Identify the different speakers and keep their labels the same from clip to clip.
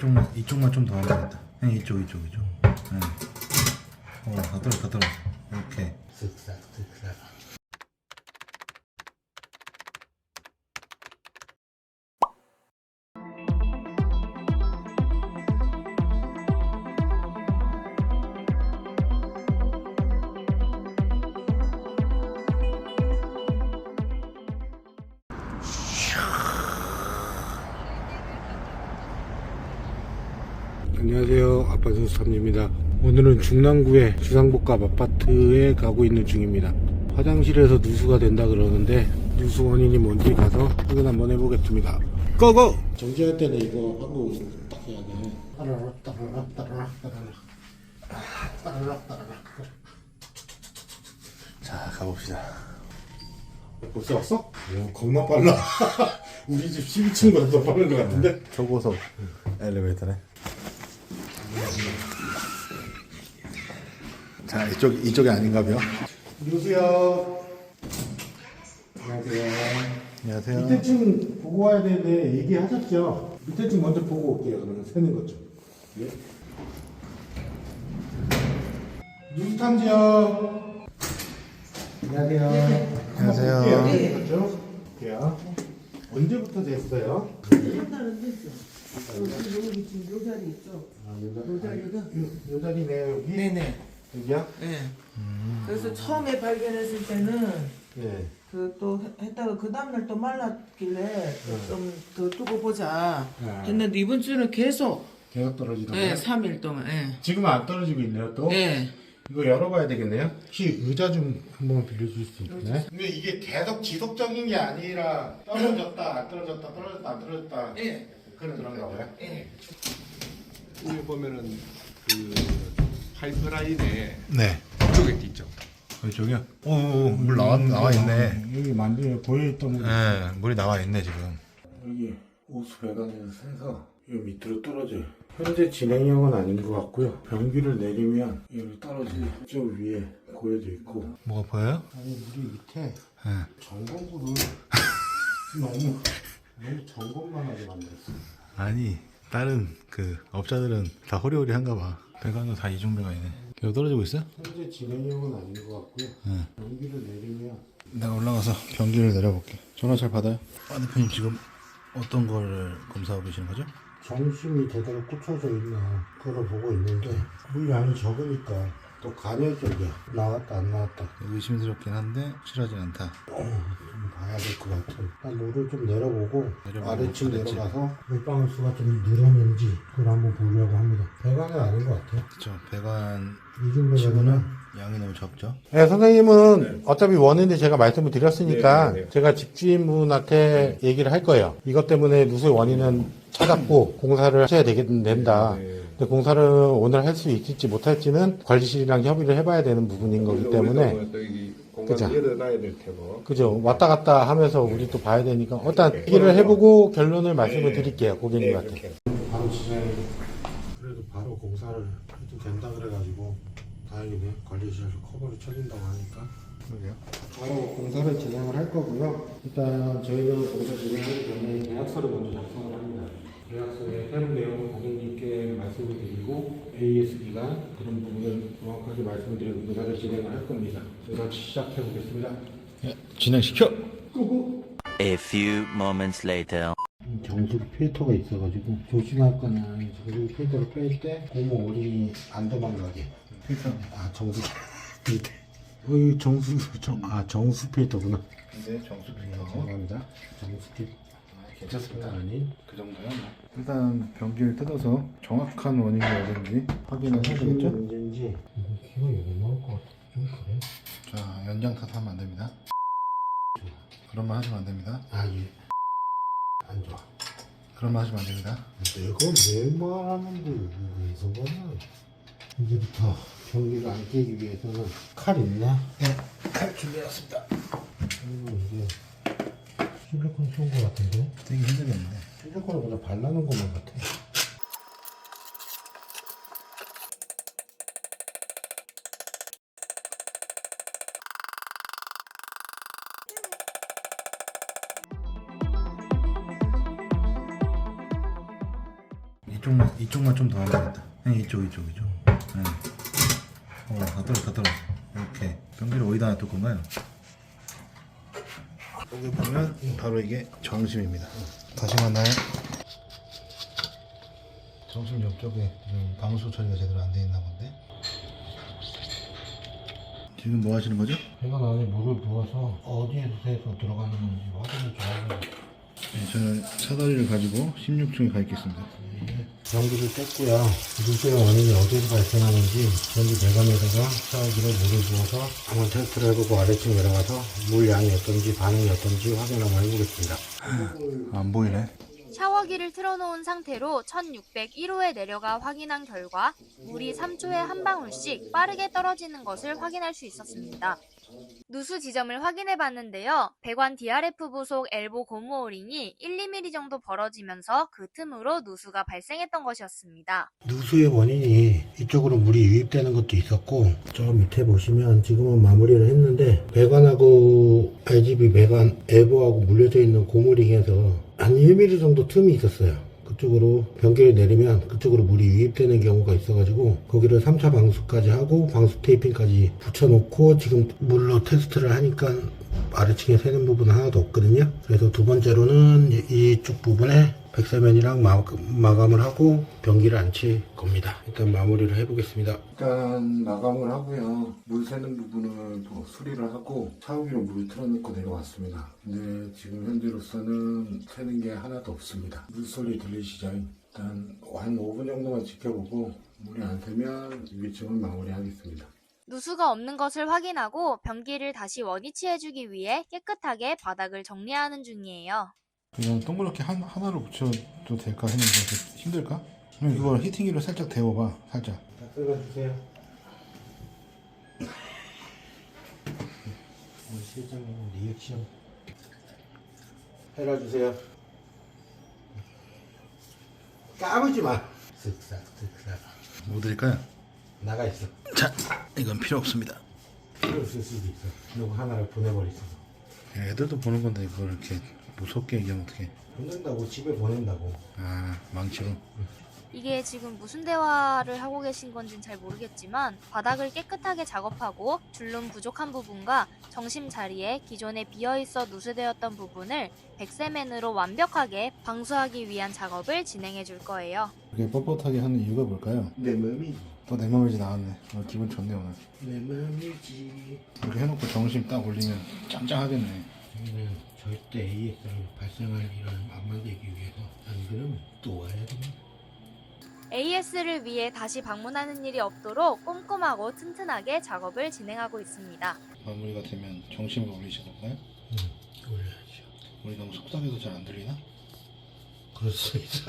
Speaker 1: 이쪽만 좀 더 하면 되겠다. 네, 이쪽. 네. 더 떨어. 이렇게.
Speaker 2: 쓱싹. 안녕하세요, 아빠준수삼입니다. 오늘은 중랑구의 주상복합 아파트에 가고 있는 중입니다. 화장실에서 누수가 된다 그러는데 누수 원인이 뭔지 가서 확인 한번 해보겠습니다. 고고! 정지할 때는 이거 하고 딱 해야 돼. 따라락.
Speaker 1: 자, 가봅시다.
Speaker 2: 벌써 왔어? 오, 겁나 빨라. 우리 집 12층보다 더 빠른 것 같은데?
Speaker 1: 초고속 엘리베이터네. 자, 이쪽이 아닌가요?
Speaker 2: 누구세요? 안녕하세요.
Speaker 1: 안녕하세요.
Speaker 2: 밑에 층 보고 와야 되는데 얘기하셨죠? 밑에 층 먼저 보고 올게요. 그러면 새는 것 좀. 예? 뉴스탐지요. 안녕하세요.
Speaker 1: 안녕하세요.
Speaker 2: 한번 볼게요. 그렇죠? 볼게요. 언제부터 됐어요?
Speaker 3: 한 달은 됐어. 여기 지금 요 자리 있죠? 요 자리가?
Speaker 2: 요 자리네요, 여기?
Speaker 3: 네네.
Speaker 2: 여기야?
Speaker 3: 네. 그래서 처음에 발견했을 때는
Speaker 2: 네.
Speaker 3: 그 또 했다가 그 다음날 또 말랐길래 좀 더 두고 보자
Speaker 2: 네.
Speaker 3: 했는데 이번 주는 계속
Speaker 2: 계속 떨어지던가요?
Speaker 3: 네, 3일 동안 네.
Speaker 2: 지금은 안 떨어지고 있네요, 또?
Speaker 3: 네.
Speaker 2: 이거 열어봐야 되겠네요. 혹시 의자 좀 한번 빌려줄 수 있나요? 근데 이게 계속 지속적인 게 아니라 떨어졌다 안 떨어졌다
Speaker 3: 네.
Speaker 2: 그런가 봐요.
Speaker 3: 네.
Speaker 4: 여기 보면은 그 파이프라인에
Speaker 1: 네.
Speaker 4: 이쪽에 있죠.
Speaker 1: 이쪽이요? 오, 물 나와 있네.
Speaker 2: 여기 만들어 보여있던 거.
Speaker 1: 네, 물이 나와 있네 지금.
Speaker 2: 여기 호수 배관에서 새서 이 밑으로 떨어져요. 현재 진행형은 아닌 것 같고요. 변기를 내리면 여기 떨어지는 저 위에 고여져 있고.
Speaker 1: 뭐가 보여요?
Speaker 2: 아니 우리 밑에
Speaker 1: 네.
Speaker 2: 점검구를 너무 점검만 하게 만들었어.
Speaker 1: 아니, 다른 그 업자들은 다 호리호리한가 봐. 배관은 다 이중 배관이네. 계속 떨어지고 있어요?
Speaker 2: 현재 진행형은 아닌 것 같고요.
Speaker 1: 네.
Speaker 2: 변기를 내리면
Speaker 1: 내가 올라가서 변기를 내려볼게. 전화 잘 받아요? 대표님 지금 어떤 걸 검사하고 계시는 거죠?
Speaker 2: 정심이 제대로 꽂혀져 있나 그걸 보고 있는데 물량이 적으니까 또 간헐적이야. 나왔다 안 나왔다
Speaker 1: 의심스럽긴 한데 확실하진 않다.
Speaker 2: 좀 봐야 될 것 같아. 일단 물을 좀 내려보고 아래층
Speaker 1: 아래층.
Speaker 2: 내려가서 물방울 수가 좀 늘었는지 그걸 한번 보려고 합니다. 배관은 아닌 것 같아요.
Speaker 1: 그쵸. 배관
Speaker 2: 이중
Speaker 1: 치고는
Speaker 2: 배관은
Speaker 1: 양이 너무 적죠.
Speaker 2: 네, 선생님은 어차피 원인을 제가 말씀을 드렸으니까
Speaker 4: 네.
Speaker 2: 제가 집주인분한테 얘기를 할 거예요. 이것 때문에 누수의 원인은 찾았고 공사를 하셔야 된다. 근데 공사를 오늘 할 수 있을지 못할지는 관리실이랑 협의를 해봐야 되는 부분인 거기 때문에
Speaker 4: 또 여기
Speaker 2: 그죠.
Speaker 4: 공간 열어놔야 될 테고.
Speaker 2: 그죠. 왔다 갔다 하면서 우리 또 봐야 되니까 일단 얘기를 해보고 결론을 말씀을 드릴게요. 고객님한테. 바로 진행. 그래도 바로 공사를 해도 된다 그래가지고 다행이네. 관리실에서 커버를 쳐준다고 하니까.
Speaker 1: 그러게요.
Speaker 2: 바로 공사를 진행을 할 거고요. 일단 저희는 공사 진행하기 전에 계약서를 먼저 작성을 합니다. 계약서의 세부 내용을 고객님께 말씀을 드리고 AS 기간 그런 부분을 정확하게 말씀을 드리고 공사를 진행을 할 겁니다. 그래서 시작해 보겠습니다.
Speaker 1: 예, 진행시켜!
Speaker 2: 끄고.
Speaker 5: A few moments later.
Speaker 2: 정수기 필터가 있어가지고 조심할 거는 정수기 필터를 뺄 때 고무 오링이 안 도망가게.
Speaker 1: 필터.
Speaker 2: 아 정수기 밑에. 정수 필터구나.
Speaker 1: 네, 정수 필터.
Speaker 2: 죄송합니다. 정수 필터.
Speaker 1: 괜찮습니다.
Speaker 2: 아니.
Speaker 1: 그 정도면 일단 변기를 뜯어서 정확한 원인이 어딘지 확인을 해야 되겠죠?
Speaker 2: 문제인지 이거 키가 여기 나올 것 같아. 좀 그래?
Speaker 1: 자, 연장 탓하면 안 됩니다. 그런 말 하시면 안 됩니다.
Speaker 2: 아 예. 안 좋아.
Speaker 1: 그런 말 하시면 안 됩니다.
Speaker 2: 내가 왜 말하는데 여기서 말하는? 이제부터 변기를 안 깨기 위해서는 칼 있나?
Speaker 1: 네, 칼 준비해왔습니다.
Speaker 2: 그리고 이게 실리콘 쏜 것 같은데?
Speaker 1: 되게 힘들겠는데.
Speaker 2: 실리콘을 그냥 발라놓은 것만 같아.
Speaker 1: 이쪽만 좀 더 하면 되겠다. 네, 이쪽. 네. 다 떨어져. 이렇게 변기를 어디다 놔둘 건가요? 여기 보면 바로 이게 정심입니다. 다시 만나요. 정심 옆쪽에 지금 방수 처리가 제대로 안 돼 있나 본데. 지금 뭐 하시는 거죠?
Speaker 2: 배관 안에 물을 부어서 어디에서 들어가는 건지 확인을 좀 하고
Speaker 1: 네, 저는 사다리를 가지고 16층에 가 있겠습니다.
Speaker 2: 전기를 뗐고요. 누수의 원인이 어디서 발생하는지 전기 배관에다가 샤워기로 물을 부어서 한번 테스트를 해보고 아래층 내려가서 물 양이 어떤지 반응이 어떤지 확인 한번 해보겠습니다.
Speaker 1: 안 보이네.
Speaker 6: 샤워기를 틀어놓은 상태로 1601호에 내려가 확인한 결과 물이 3초에 한 방울씩 빠르게 떨어지는 것을 확인할 수 있었습니다. 누수 지점을 확인해 봤는데요. 배관 DRF 부속 엘보 고무 오링이 1, 2mm 정도 벌어지면서 그 틈으로 누수가 발생했던 것이었습니다.
Speaker 2: 누수의 원인이 이쪽으로 물이 유입되는 것도 있었고 저 밑에 보시면 지금은 마무리를 했는데 배관하고 RGB 배관 엘보하고 물려져 있는 고무링에서 한 1mm 정도 틈이 있었어요. 그쪽으로 변기를 내리면 그쪽으로 물이 유입되는 경우가 있어가지고 거기를 3차 방수까지 하고 방수 테이핑까지 붙여놓고 지금 물로 테스트를 하니까 아래층에 새는 부분은 하나도 없거든요. 그래서 두 번째로는 이쪽 부분에 백세면이랑 마감을 하고 변기를 안 칠 겁니다. 일단 마무리를 해보겠습니다. 일단 마감을 하고요. 물 새는 부분을 또 수리를 하고 샤워기로 물을 틀어놓고 내려왔습니다. 근데 지금 현재로서는 새는 게 하나도 없습니다. 물소리 들리시죠? 일단 한 5분 정도만 지켜보고 물이 안 새면 위층은 마무리하겠습니다.
Speaker 6: 누수가 없는 것을 확인하고 변기를 다시 원위치해주기 위해 깨끗하게 바닥을 정리하는 중이에요.
Speaker 1: 그냥 동그랗게 하나로 붙여도 될까 했는데 힘들까? 그럼 이걸 히팅기로 살짝 데워봐. 살짝.
Speaker 2: 다 끓여주세요. 우리 실장님 리액션 해라주세요. 까불지 마. 쓱싹.
Speaker 1: 뭐 드릴까요?
Speaker 2: 나가 있어.
Speaker 1: 자, 이건 필요 없습니다.
Speaker 2: 필요 없을 수도 있어. 이거 하나를 보내버리세요.
Speaker 1: 애들도 보는 건데 이걸 이렇게 무섭게 얘기하면 어떡해.
Speaker 2: 보낸다고 집에 보낸다고.
Speaker 1: 아, 망치로.
Speaker 6: 이게 지금 무슨 대화를 하고 계신 건지는 잘 모르겠지만 바닥을 깨끗하게 작업하고 줄눈 부족한 부분과 정심 자리에 기존에 비어있어 누수되었던 부분을 백세맨으로 완벽하게 방수하기 위한 작업을 진행해 줄 거예요.
Speaker 1: 이렇게 뻣뻣하게 하는 이유가 뭘까요?
Speaker 2: 내 맘이지.
Speaker 1: 또 내 맘이지 나왔네. 오늘 기분 좋네 오늘.
Speaker 2: 내 맘이지.
Speaker 1: 이렇게 해놓고 정심 딱 올리면 짱짱하겠네.
Speaker 2: 저희는 절대 AS를 발생할 일을 안 만들기 위해서 안 그러면 또 와야 됩니다.
Speaker 6: AS를 위해 다시 방문하는 일이 없도록 꼼꼼하고 튼튼하게 작업을 진행하고 있습니다.
Speaker 1: 마무리가 되면 정심을 올리실 건가요?
Speaker 2: 올려야죠.
Speaker 1: 우리 너무 속삭여도 잘 안 들리나?
Speaker 2: 그럴 수 있어.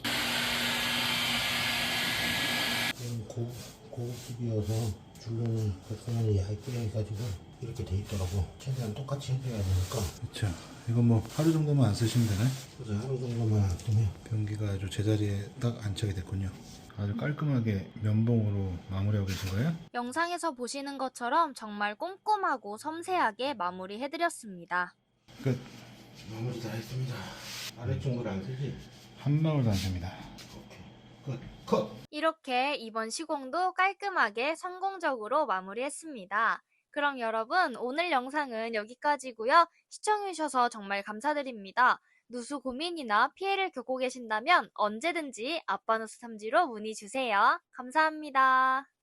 Speaker 2: 고급집이어서 줄눈 백선이 얇게 해가지고 이렇게 돼 있더라고. 최대한 똑같이 해줘야 되니까.
Speaker 1: 그쵸. 이건 뭐 하루 정도만 안 쓰시면 되나요?
Speaker 2: 그래서 하루 정도만 안 쓰면
Speaker 1: 변기가 아주 제자리에 딱 안착이 됐군요. 아주 깔끔하게 면봉으로 마무리하고 계신 거예요?
Speaker 6: 영상에서 보시는 것처럼 정말 꼼꼼하고 섬세하게 마무리해드렸습니다.
Speaker 1: 끝.
Speaker 2: 마무리 다 했습니다. 아래쪽 물 안 쓰지?
Speaker 1: 한 방울도 안 셉니다.
Speaker 2: 오케이. 컷.
Speaker 6: 이렇게 이번 시공도 깔끔하게 성공적으로 마무리했습니다. 그럼 여러분 오늘 영상은 여기까지고요. 시청해주셔서 정말 감사드립니다. 누수 고민이나 피해를 겪고 계신다면 언제든지 아빠누수 탐지로 문의주세요. 감사합니다.